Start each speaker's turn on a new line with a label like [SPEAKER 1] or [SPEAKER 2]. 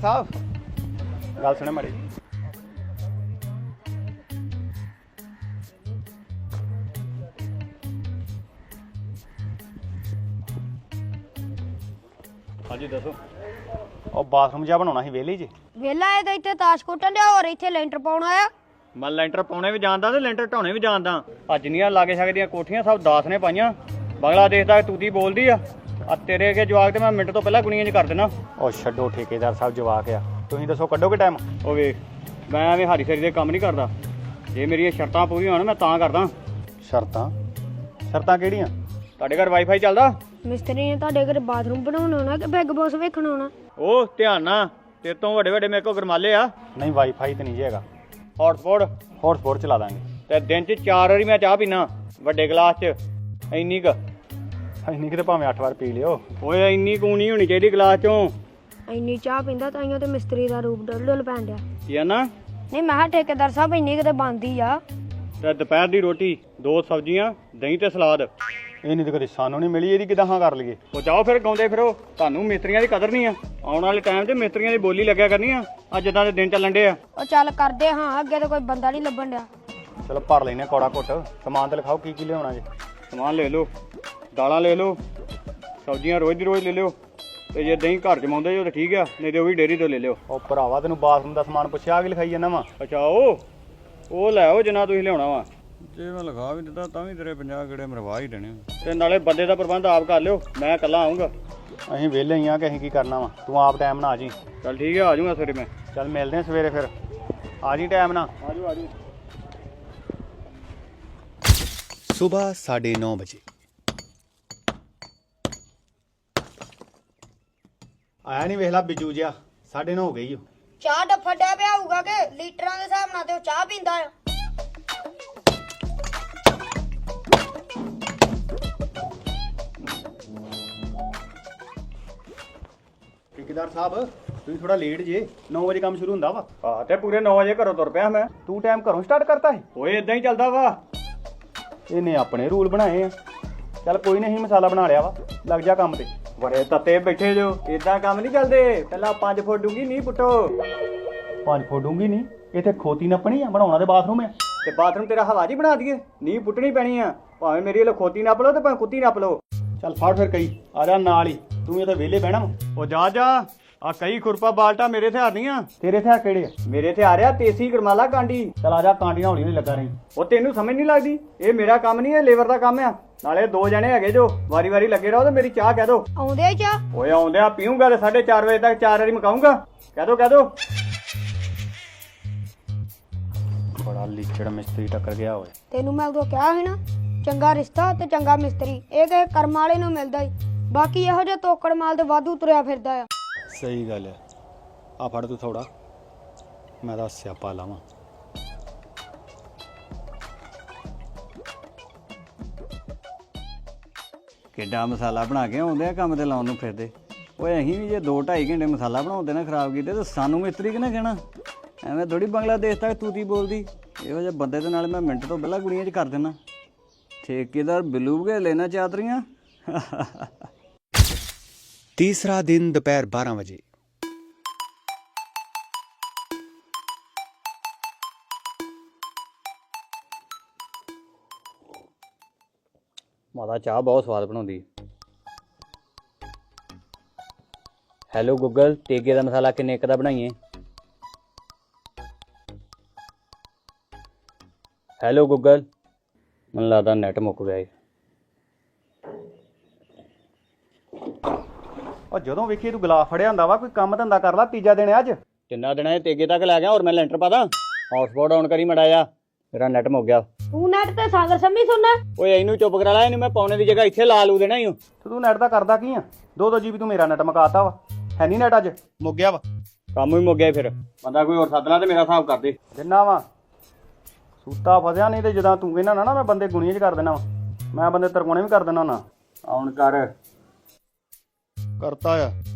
[SPEAKER 1] साहब गल सुने माड़ी हाँ जी दसो और बाथरूम जा बनाना ही वेले जी
[SPEAKER 2] ਵੇਲਾ ਇਹ ਤਾਂ ਇੱਥੇ ਤਾਸ਼ ਕੁੱਟਣ ਡਿਆ ਹੋਰ ਇੱਥੇ ਲੈਂਟਰ ਪਾਉਣਾ ਆ
[SPEAKER 1] मैं ਲੈਂਟਰ ਪਾਉਣੇ ਵੀ ਜਾਣਦਾ ਤੇ ਲੈਂਟਰ ਢਾਉਣੇ ਵੀ ਜਾਣਦਾ ਆ ਜਿੰਨੀਆਂ ਲਾਗੇ ਸਕਦੀਆਂ ਕੋਠੀਆਂ ਸਭ 10 ਨੇ ਪਾਈਆਂ ਬੰਗਲਾਦੇਸ਼ ਦਾ ਤੂਤੀ ਬੋਲਦੀ ਆ ਤੇਰੇ ਅੱਗੇ ਜਵਾਕ ਤੇ ਮੈਂ ਮਿੰਟ ਤੋਂ ਪਹਿਲਾਂ ਗੁਣੀਆਂ 'ਚ ਕਰ ਦੇਣਾ ਉਹ ਛੱਡੋ ਠੇਕੇਦਾਰ ਸਾਹਿਬ ਜਵਾਕ ਆ ਤੁਸੀਂ ਦੱਸੋ ਕੱਢੋਗੇ ਟਾਈਮ ਉਹ ਵੇਖ ਮੈਂ ਐਵੇਂ ਹਾਰੀ ਸਰੀ ਦੇ ਕੰਮ ਨਹੀਂ ਕਰਦਾ ਜੇ ਮੇਰੀਆਂ ਸ਼ਰਤਾਂ ਪੂਰੀਆਂ ਹੋਣ ਮੈਂ ਤਾਂ ਕਰਦਾ ਸ਼ਰਤਾਂ ਕਿਹੜੀਆਂ ਤੁਹਾਡੇ ਘਰ ਵਾਈਫਾਈ ਚੱਲਦਾ
[SPEAKER 2] ਮਿਸਤਰੀ ਨੇ ਤੁਹਾਡੇ ਘਰ ਬਾਥਰੂਮ ਬਣਾਉਣਾ ਹੋਣਾ ਕਿ ਬਿਗ ਬੌਸ ਵੇਖਣਾ ਹੋਣਾ
[SPEAKER 1] ਉਹ ਧਿਆਨ ਨਾਲ ਤੇਰੇ ਤੋਂ ਵੱਡੇ ਵੱਡੇ ਮੇਰੇ ਕੋਲ ਗਰਮਾਲੇ ਆ ਨਹੀਂ ਵਾਈਫਾਈ ਤੇ ਨਹੀਂ ਜੀ ਹੈਗਾ ਹੌਟਸਪੌਟ ਚਲਾ ਦਾਂਗੇ ਤੇ ਦਿਨ 'ਚ 4 ਵਾਰੀ ਮੈਂ ਚਾਹ ਪੀਣਾ ਵੱਡੇ ਗਲਾਸ 'ਚ ਇੰਨੀ ਤੇ ਭਾਵੇਂ 8 ਵਾਰ ਪੀ ਲਿਓ ਓਏ ਇੰਨੀ ਕੁ ਨਹੀਂ ਹੋਣੀ ਚਾਹੀਦੀ ਗਲਾਸ 'ਚੋਂ
[SPEAKER 2] ਇੰਨੀ ਚਾਹ ਪੀਂਦਾ ਤਾਈਓ ਤੇ ਮਿਸਤਰੀ ਦਾ ਰੂਪ ਡੁੱਲ ਪੈਣ ਡਿਆ
[SPEAKER 1] ਕੀ ਆ ਨਾ
[SPEAKER 2] ਨਹੀਂ ਮੈਂ ਕਿਹਾ ਠੇਕੇਦਾਰ ਸਾਹਿਬ ਇੰਨੀ ਕਿਤੇ ਬਣਦੀ ਆ
[SPEAKER 1] ਤੇ ਦੁਪਹਿਰ ਦੀ ਰੋਟੀ 2 ਸਬਜ਼ੀਆਂ ਦਹੀਂ ਤੇ ਸਲਾਦ ਇਹ ਨਹੀਂ ਤੇ ਕਦੇ ਸਾਨੂੰ ਨਹੀਂ ਮਿਲੀ ਇਹਦੀ ਕਿਦਾਂ ਹਾਂ ਕਰ ਲਈਏ ਉਹ ਜਾਓ ਫਿਰ ਗਾਉਂਦੇ ਫਿਰੋ ਤੁਹਾਨੂੰ ਮਿਸਤਰੀਆਂ ਦੀ ਕਦਰ ਨਹੀਂ ਆ ਆਉਣ ਵਾਲੇ ਟਾਈਮ 'ਚ ਮਿਸਤਰੀਆਂ ਦੀ ਬੋਲੀ ਲੱਗਿਆ ਕਰਨੀ ਆ ਅੱਜ ਜਿੱਦਾਂ ਦੇ ਦਿਨ ਚੱਲਣ ਡੇ ਆ
[SPEAKER 2] ਉਹ ਚੱਲ ਕਰਦੇ ਹਾਂ ਅੱਗੇ ਤਾਂ ਕੋਈ ਬੰਦਾ ਨਹੀਂ ਲੱਭਣ ਡਿਆ
[SPEAKER 1] ਚਲੋ ਭਰ ਲੈਨੇ ਕੌੜਾ ਘੁੱਟ ਸਮਾਨ ਤੇ ਲਿਖਾਓ ਕੀ ਲਿਆਉਣਾ ਜੇ ਸਮਾਨ ਲੈ ਲਓ ਦਾਲਾਂ ਲੈ ਲਓ ਸਬਜ਼ੀਆਂ ਰੋਜ਼ ਦੀ ਰੋਜ਼ ਲੈ ਲਿਓ ਤੇ ਜੇ ਦਹੀਂ ਘਰ ਜਮਾਉਂਦੇ ਜੋ ਤਾਂ ਠੀਕ ਆ ਨਹੀਂ ਤੇ ਉਹ ਵੀ ਡੇਅਰੀ ਤੋਂ ਲੈ ਲਿਓ ਉਹ ਭਰਾਵਾ ਤੈਨੂੰ ਬਾਥਰੂਮ ਦਾ ਸਮਾਨ ਪੁੱਛਿਆ ਕੀ ਲਿਖਾਈ ਜਾਂਦਾ ਵਾ ਅੱਛਾ ਉਹ ਲੈ ਆਓ ਜਿੰਨਾ ਤੁਸੀਂ ਲਿਆਉਣਾ ਵਾ ਜੇ ਮੈਂ ਲਿਖਾ ਵੀ ਦਿੱਤਾ ਤਾਂ ਵੀ ਤੇਰੇ 50 ਗੇੜੇ ਮਰਵਾ ਹੀ ਦੇਣੇ ਤੇ ਨਾਲੇ ਬੰਦੇ ਦਾ ਪ੍ਰਬੰਧ ਆਪ ਕਰ ਲਿਓ ਮੈਂ ਇਕੱਲਾ ਆਉਂਗਾ ਅਸੀਂ ਵਿਹਲੇ ਹੀ ਆ ਕਿ ਅਸੀਂ ਕੀ ਕਰਨਾ ਵਾ ਤੂੰ ਆਪ ਟਾਈਮ ਨਾਲ ਆ ਜੀ ਚੱਲ ਠੀਕ ਆ ਜਾਊਂਗਾ ਸਵੇਰੇ ਮੈਂ ਚੱਲ ਮਿਲਦੇ ਆ ਸਵੇਰੇ ਫਿਰ ਆ ਜੀ ਟਾਈਮ ਨਾਲ ਆ ਜਾਓ
[SPEAKER 3] सुबह 9:30 बजे
[SPEAKER 1] ਆਇਆ ਨਹੀਂ ਵੇਖ ਲਾ ਬਿੱਜੂ ਜਿਹਾ 9:30 ਹੋ ਗਈ ਓ
[SPEAKER 2] ਚਾਹ ਡੱਫਾ ਡਿਆ ਪਿਆ ਹੋਊਗਾ ਕਿ ਲੀਟਰਾਂ ਦੇ ਹਿਸਾਬ ਨਾਲ ਤੇ ਉਹ ਚਾਹ ਪੀਂਦਾ ਆ
[SPEAKER 1] ਠੇਕੇਦਾਰ ਸਾਹਿਬ ਤੁਸੀਂ ਥੋੜਾ ਲੇਟ ਜੇ 9 ਵਜੇ ਕੰਮ ਸ਼ੁਰੂ ਹੁੰਦਾ ਵਾ ਹਾਂ ਤੇ ਪੂਰੇ 9 ਵਜੇ ਘਰੋਂ ਤੁਰ ਪਿਆ ਮੈਂ ਤੂੰ ਟਾਈਮ ਘਰੋਂ ਸਟਾਰਟ ਕਰਤਾ ਹੈ ਓਏ ਇਦਾਂ ਹੀ ਚੱਲਦਾ ਵਾ ਇਹਨੇ ਆਪਣੇ ਰੂਲ ਬਣਾਏ ਆ ਚੱਲ ਕੋਈ ਨਹੀਂ ਮਸਾਲਾ ਬਣਾ ਲਿਆ ਵਾ ਲੱਗ ਜਾ ਕੰਮ ਤੇ ਬੜੇ ਤੱਤੇ ਬੈਠੇ ਜੋ ਇਦਾਂ ਕੰਮ ਨਹੀਂ ਚੱਲਦੇ ਪਹਿਲਾਂ 5 ਫੁੱਟ ਡੂੰਗੀ ਨਹੀਂ ਪੁੱਟੋ 5 ਫੁੱਟ ਡੂੰਗੀ ਨਹੀਂ ਇੱਥੇ ਖੋਤੀ ਨੱਪਣੀ ਆ ਬਣਾਉਣਾ ਤੇ ਬਾਥਰੂਮ ਆ ਤੇ ਬਾਥਰੂਮ ਤੇਰਾ ਹਵਾ ਜੀ ਬਣਾ ਦਈਏ ਨਹੀਂ ਪੁੱਟਣੀ ਪੈਣੀ ਆ ਭਾਵੇਂ ਮੇਰੀ ਇਹ ਖੋਤੀ ਨੱਪ ਲਓ ਤੇ ਭਾਵੇਂ ਕੁੱਤੀ ਨੱਪ ਲਓ ਚੱਲ ਫੜ ਫਿਰ ਕਈ ਆ ਜਾ ਨਾਲ ਹੀ ਤੂੰ ਇਹ ਤਾਂ ਵਿਹਲੇ ਬਹਿਣਾ ਉਹ ਜਾ ਆ ਕਈ ਖੁਰਪਾ ਬਾਲਟਾ ਮੇਰੇ ਹਥਿਆਰ ਨਹੀਂ ਆ ਤੇਰੇ ਹਥਿਆਰ ਕਿਹੜੇ ਆ ਮੇਰੇ ਹਥਿਆਰ ਆ ਤੇਸੀ ਗਰਮਾਲਾ ਕਾਂਡੀ ਚੱਲ ਆ ਜਾ ਕਾਂਡੀਆਂ ਹੌਲੀ ਹੌਲੀ ਲੱਗਾ ਰਹੀ ਉਹ ਤੈਨੂੰ ਸਮਝ ਨਹੀਂ ਲੱਗਦੀ ਇਹ ਮੇਰਾ ਕੰਮ ਨਹੀਂ ਇਹ ਲੇਬਰ ਦਾ ਕੰਮ ਆ ਨਾਲੇ 2 ਜਣੇ ਹੈਗੇ ਜੋ ਵਾਰੀ ਲੱਗੇ ਰਹੋ ਤੇ ਮੇਰੀ ਚਾਹ ਕਹਿ ਦੋ
[SPEAKER 2] ਆਉਂਦੇ ਚਾਹ
[SPEAKER 1] ਓਏ ਆਉਂਦੇ ਆ ਪੀਊਂਗਾ ਤੇ 4:30 ਵਜੇ ਤੱਕ 4 ਵਾਰੀ ਮਕਾਉਂਗਾ ਕਹਿ ਦੋ ਬੜਾ ਲੀਚੜ ਮਿਸਤਰੀ ਟੱਕਰ ਗਿਆ ਓਏ
[SPEAKER 2] ਤੈਨੂੰ ਮੈਂ ਉਦੋਂ ਕਿਹਾ ਸੀ ਨਾ ਚੰਗਾ ਰਿਸ਼ਤਾ ਤੇ ਚੰਗਾ ਮਿਸਤਰੀ ਇਹ ਕਿਸੇ ਕਰਮ ਵਾਲੇ ਨੂੰ ਮਿਲਦਾ ਈ ਬਾਕੀ ਇਹੋ ਜਿਹਾ ਤੋਕੜ ਮਾਲ ਤੇ ਵਾਧੂ ਤੁਰਿਆ ਫਿਰਦਾ ਆ
[SPEAKER 1] ਸਹੀ ਗੱਲ ਆ ਫੜ ਤੂੰ ਥੋੜਾ ਮੈਂ ਤਾਂ ਸਿਆਪਾ ਲਾਵਾਂ ਕਿੱਡਾ ਮਸਾਲਾ ਬਣਾ ਕੇ ਆਉਂਦੇ ਆ ਕੰਮ ਤੇ ਲਾਉਣ ਨੂੰ ਫਿਰਦੇ ਓਏ ਅਸੀਂ ਵੀ ਜੇ 2-2.5 ਘੰਟੇ ਮਸਾਲਾ ਬਣਾਉਂਦੇ ਨਾ ਖਰਾਬ ਕੀਤੇ ਤਾਂ ਸਾਨੂੰ ਮਿਸਤਰੀ ਕਿਹਨੇ ਕਹਿਣਾ ਐਵੇਂ ਥੋੜੀ ਬੰਗਲਾਦੇਸ਼ ਤੱਕ ਤੂਤੀ ਬੋਲਦੀ ਇਹੋ ਜਿਹੇ ਬੰਦੇ ਦੇ ਨਾਲ ਮੈਂ ਮਿੰਟ ਤੋਂ ਪਹਿਲਾਂ ਗੁੜੀਆਂ 'ਚ ਕਰ ਦੇਣਾ ਠੇਕੇਦਾਰ ਬਿੱਲੂ ਬਗੇ ਲੈਣਾ ਚਾਦਰੀਆਂ
[SPEAKER 3] तीसरा दिन दोपहर 12 बजे
[SPEAKER 1] ਮਾਤਾ ਚਾਹ ਬਹੁਤ ਸਵਾਦ ਬਣਾਉਂਦੀ ਹੈਲੋ ਗੂਗਲ ਤੇਗੇ ਦਾ ਮਸਾਲਾ ਕਿੰਨੇ ਇੱਕ ਦਾ ਬਣਾਈਏ ਹੈਲੋ ਗੂਗਲ ਮੈਨੂੰ ਲੱਗਦਾ ਨੈਟ ਮੁੱਕ ਗਿਆ ਏ ਉਹ ਜਦੋਂ ਵੇਖੀ ਤੂੰ ਗਲਾਸ ਫੜਿਆ ਹੁੰਦਾ ਵਾ ਕੋਈ ਕੰਮ ਧੰਦਾ ਕਰ ਲਾ ਤੀਜਾ ਦਿਨ ਅੱਜ ਤਿੰਨਾ ਦਿਨਾਂ ਇਹ ਤੇਗੇ ਤੱਕ ਲੈ ਗਿਆ ਹੋਰ ਮੈਂ ਲੈਂਟਰ ਪਾਦਾ ਹੌਟਸਪੌਟ ਆਨ ਕਰੀ ਮੜਾ ਜਾ ਮੇਰਾ ਨੈਟ ਮੁੱਕ ਗਿਆ
[SPEAKER 2] ਤੂੰ ਨੈਟ ਤੇ ਸਾਗਰ ਸੰਮੀ ਸੁਣਨਾ
[SPEAKER 1] ਓਏ ਇਹਨੂੰ ਚੁੱਪ ਕਰਾ ਲੈ ਇਹਨੂੰ ਮੈਂ ਪੌਣੇ ਦੀ ਜਗ੍ਹਾ ਇੱਥੇ ਲਾ ਲੂ ਦੇਣਾ ਹੀ ਤੂੰ ਨੈਟ ਦਾ ਕਰਦਾ ਕੀ ਆ 2-2 GB ਤੂੰ ਮੇਰਾ ਨੈਟ ਮਕਾਤਾ ਵਾ ਹੈ ਨਹੀਂ ਨੈਟ ਅੱਜ ਮੁੱਕ ਗਿਆ ਵਾ ਕੰਮ ਵੀ ਮੁੱਕ ਗਿਆ ਫਿਰ ਬੰਦਾ ਕੋਈ ਹੋਰ ਸੱਦ ਲਾ ਤੇ ਮੇਰਾ ਹਿਸਾਬ ਕਰ ਦੇ ਜਿੰਨਾ ਵਾ ਸੂਤਾ ਫਸਿਆ ਨਹੀਂ ਤੇ ਜਦੋਂ ਤੂੰ ਕਹਿੰਦਾ ਨਾ ਮੈਂ ਬੰਦੇ ਗੁਣੀਆਂ 'ਚ ਕਰ ਦੇਣਾ ਵਾ ਮੈਂ ਬੰਦੇ ਤਰਕੋਣੇ ਵੀ ਕਰ ਦੇਣਾ ਨਾ ਆਉਣ ਕਰਤਾ ਆ